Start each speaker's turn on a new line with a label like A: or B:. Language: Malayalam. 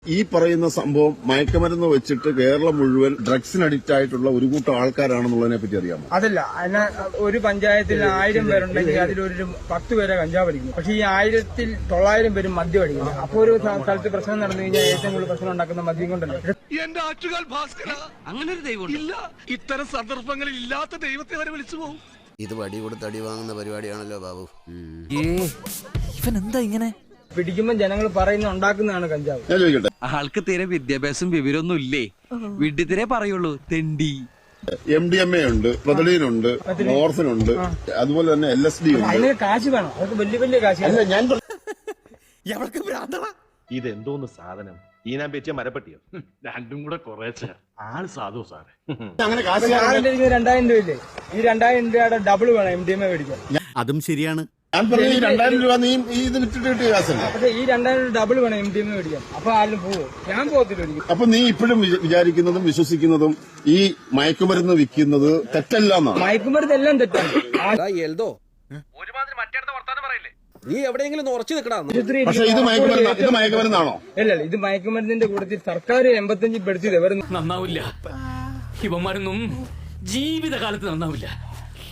A: ഈ പറയുന്ന സംഭവം മയക്കുമരുന്ന് വെച്ചിട്ട് കേരളം മുഴുവൻ ഡ്രഗ്സിന് അഡിക്റ്റ് ആയിട്ടുള്ള ഒരു കൂട്ടം ആൾക്കാരാണെന്നുള്ളതിനെ പറ്റി അറിയാമോ?
B: അതല്ല, അതിന് ഒരു പഞ്ചായത്തിൽ 1000 പേരുണ്ടെങ്കിൽ അതിലൊരു 10 പേരെ കഞ്ചാവ് അടിക്കുന്നു. പക്ഷെ ഈ 1900 പേരും മദ്യം അടിക്കുന്നു. അപ്പൊ ഒരു സ്ഥലത്ത് പ്രശ്നം നടന്നു കഴിഞ്ഞാൽ ഏറ്റവും കൂടുതൽ പ്രശ്നം ഉണ്ടാക്കുന്ന മദ്യം കൊണ്ടല്ല.
C: എന്റെ ആറ്റുകാൽ ഭാസ്കര, അങ്ങനെ ഒരു ദൈവം ഇല്ല. ഇത്തരം സന്ദർഭങ്ങളിൽ ഇല്ലാത്ത ദൈവത്തെ വരെ വിളിച്ചു പോകും.
D: ഇത് വടി കൊടുത്ത് അടി വാങ്ങുന്ന പരിപാടിയാണല്ലോ ബാബു.
E: ഇവൻ എന്താ ഇങ്ങനെ
B: പിടിക്കുമ്പോൾ ജനങ്ങൾ പറയുന്ന ഉണ്ടാക്കുന്നതാണ് കഞ്ചാവ്.
A: ഞാൻ ചോദിക്കട്ടെ,
E: ആൾക്ക് തീരെ വിദ്യാഭ്യാസം വിവരമൊന്നും ഇല്ലേ? വിഡ്ഢിത്തിരെ പറയുള്ളൂ, തെണ്ടി.
A: MDMA ഉണ്ട്, പ്രതലീനുണ്ട്, മോർഫിനുണ്ട്, അതുപോലെ തന്നെ LSD ഉണ്ട്.
B: അതിന് കാശ് വേണം, അതൊക്കെ വലിയ വലിയ കാശ്.
A: അല്ല, ഞാൻ
F: ഇതെന്തോന്ന് സാധനം? ഈനാൻ പറ്റിയ മരപ്പട്ടിയോ?
C: രണ്ടും കൂടെ കുറേച്ച ആള് സാധു സാറേ.
A: അങ്ങനെ കാശ്
B: 2000 രൂപ ഇല്ലേ? ഈ 2000 രൂപയുടെ ഡബിൾ വേണം MDMA മേടിക്കാൻ.
D: അതും ശരിയാണ്.
A: ഞാൻ പറഞ്ഞ ഈ 2000 രൂപ നീ ഇത് വിറ്റിട്ട് കിട്ടിയ കാശല്ല.
B: പക്ഷെ ഈ 2000 ഡബിൾ വേണം MDMA മേടിക്കാൻ. അപ്പൊ ആരും പോവോ? ഞാൻ പോകത്തില്ല ഒരിക്കലും.
A: അപ്പൊ നീ ഇപ്പോഴും വിചാരിക്കുന്നതും വിശ്വസിക്കുന്നതും ഈ മയക്കുമരുന്ന് വിൽക്കുന്നത് തെറ്റല്ല എന്നാണ്.
B: മയക്കുമരുന്ന് എല്ലാം തെറ്റാണ്.
C: ഒരുമാതിരി മറ്റേടത്തെ വർത്താനം പറയില്ലേ?
E: നീ എവിടെയെങ്കിലും ഉറച്ചു നിൽക്കണം.
A: പക്ഷെ ഇത് മയക്കുമരുന്നാണോ?
B: അല്ല, ഇത് മയക്കുമരുന്നിന്റെ കൂട്ടത്തിൽ സർക്കാർ 85 പെടുത്തിയത്.
G: നന്നാവില്ല, ഇവന്മാരൊന്നും ജീവിതകാലത്ത് നന്നാവില്ല.